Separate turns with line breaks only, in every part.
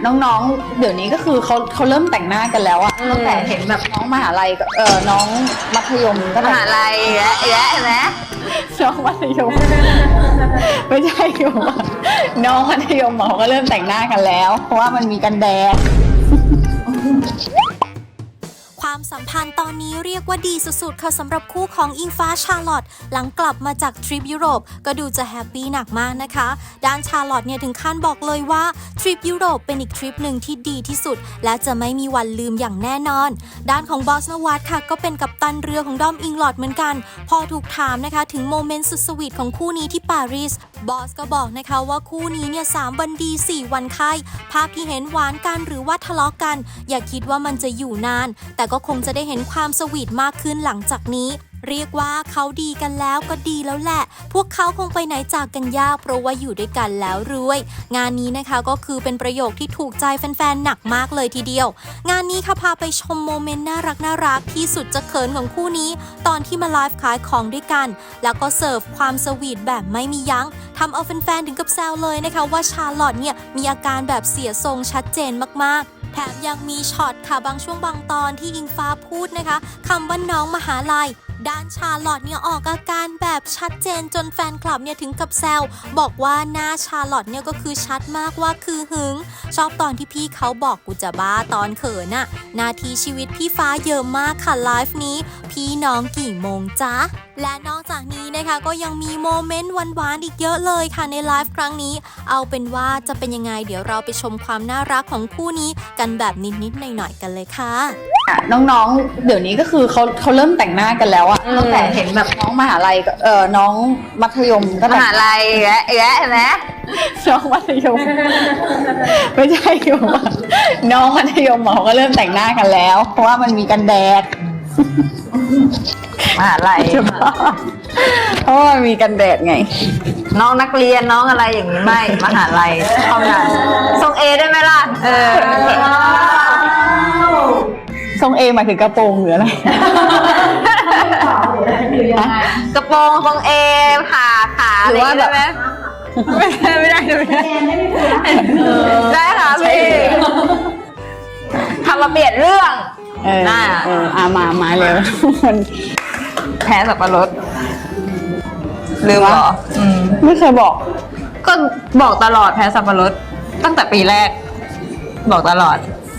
น้องๆเดี๋ยวนี้ก็คือเขาเริ่มแต่งหน้ากันแล้วอะตั้งแต่เห็นแบบน้องมหาลัยน้องมัธยมก็
มหาลัยและเห็นไหม
น้องมัธยมไม่ใช่อยู่น้องมัธยมเขาก็เริ่มแต่งหน้ากันแล้วเพราะว่ามันมีกันแดด
ความสัมพันธ์ตอนนี้เรียกว่าดีสุดๆค่ะสำหรับคู่ของอิงฟ้าชาร์ลอตหลังกลับมาจากทริปยุโรปก็ดูจะแฮปปี้หนักมากนะคะด้านชาร์ลอตเนี่ยถึงขั้นบอกเลยว่าทริปยุโรปเป็นอีกทริปหนึ่งที่ดีที่สุดและจะไม่มีวันลืมอย่างแน่นอนด้านของบอสนวัตค่ะก็เป็นกัปตันเรือของด้อมอิงลอดเหมือนกันพอถูกถามนะคะถึงโมเมนต์สุดสวีทของคู่นี้ที่ปารีสบอสก็บอกนะคะว่าคู่นี้เนี่ย3 วันดี 4 วันไข้ภาพที่เห็นหวานกันหรือว่าทะเลาะกันอย่าคิดว่ามันจะอยู่นานแต่ก็คงจะได้เห็นความสวีทมากขึ้นหลังจากนี้เรียกว่าเขาดีกันแล้วก็ดีแล้วแหละพวกเขาคงไปไหนจากกันยากเพราะว่าอยู่ด้วยกันแล้วรวยงานนี้นะคะก็คือเป็นประโยคที่ถูกใจแฟนๆหนักมากเลยทีเดียวงานนี้ค่ะพาไปชมโมเมนต์น่ารักที่สุดจะเขินของคู่นี้ตอนที่มาไลฟ์ขายของด้วยกันแล้วก็เสิร์ฟความสวีทแบบไม่มียั้งทำเอาแฟนๆถึงกับแซวเลยนะคะว่าชาร์ลอตเนี่ยมีอาการแบบเสียทรงชัดเจนมากๆแถมยังมีช็อตค่ะบางช่วงบางตอนที่อิงฟ้าพูดนะคะคำว่าน้องมหาลัยด้านชาร์ลอตเนี่ยออกอาการแบบชัดเจนจนแฟนคลับเนี่ยถึงกับแซวบอกว่าหน้าชาร์ลอตเนี่ยก็คือชัดมากว่าคือหึงชอบตอนที่พี่เขาบอกกูจะบ้าตอนเขินน่ะนาทีชีวิตพี่ฟ้าเยอะมากค่ะไลฟ์นี้พี่น้องกี่โมงจ๊ะและนอกจากนี้นะคะก็ยังมีโมเมนต์หวานๆอีกเยอะเลยค่ะในไลฟ์ครั้งนี้เอาเป็นว่าจะเป็นยังไงเดี๋ยวเราไปชมความน่ารักของคู่นี้กันแบบนิดๆหน่อยๆกันเลยค่ะ
น้องๆเดี๋ยวนี้ก็คือเขาเริ่มแต่งหน้ากันแล้วอะตั้งแต่เห็นแบบน้องมหาลัยน้องมัธยมก็
มหาลัยและเห็นไหม
น้องมัธยมไม่ใช่อยู่น้องมัธยมเขาก็เริ่มแต่งหน้ากันแล้วเพราะว่ามันมีกันแดด
มหาลัย
เพราะว่ามันมีกันแดดไง
น้องนักเรียนน้องอะไรอย่างนี้ไม่มหาลัยเท่านั้นทรงเอได้ไหมล่ะ
ทรงเอหมายถึงกระโปรงหรืออะไร
กระโปรงทรงเอขาหรือว่าแบบไม่ได้ได้ค่ะพี่ทำมาเปลี่ยนเรื่อง
มาเร็วมัน
แพ้สับปะรดลืมเหรอ
ไม่เคยบอก
ก็บอกตลอดแพ้สับปะรดตั้งแต่ปีแรกบอกตลอด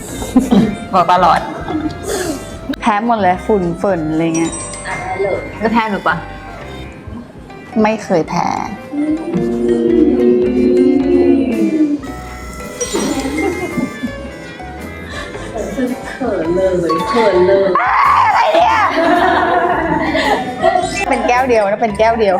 แพ้หมดเลยฝุ่นเฟิ่นอะไรเงี้ย
จะแพ้หรือปะ
ไม่เคยแพ้เขินเลยอะไรเนี่ยเป็นแก้วเดียวนะเป็นแก้วเดียว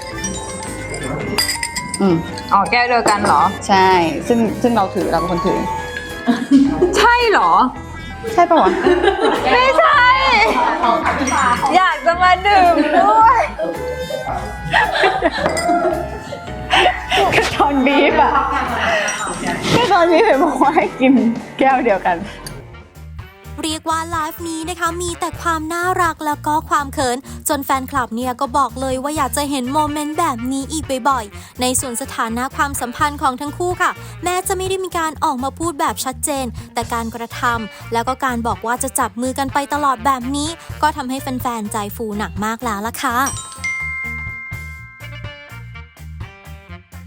อ๋อแก้วเดียวกันเหรอ
ใช่ซึ่งเราเป็นคนถือ
ใช่เหรอ
ใช่ปะวะ
ไม่ใช่อยากจะมาดื่มด้วย
ก็ตอนบีฟอะก็ตอนบีฟเห็นบอกว่าให้กินแก้วเดียวกัน
เรียกว่าไลฟ์นี้นะคะมีแต่ความน่ารักแล้วก็ความเขินจนแฟนคลับเนี่ยก็บอกเลยว่าอยากจะเห็นโมเมนต์แบบนี้อีกบ่อยๆในส่วนสถานะความสัมพันธ์ของทั้งคู่ค่ะแม้จะไม่ได้มีการออกมาพูดแบบชัดเจนแต่การกระทำแล้วก็การบอกว่าจะจับมือกันไปตลอดแบบนี้ก็ทำให้แฟนๆใจฟูหนักมากแล้วล่ะค่ะ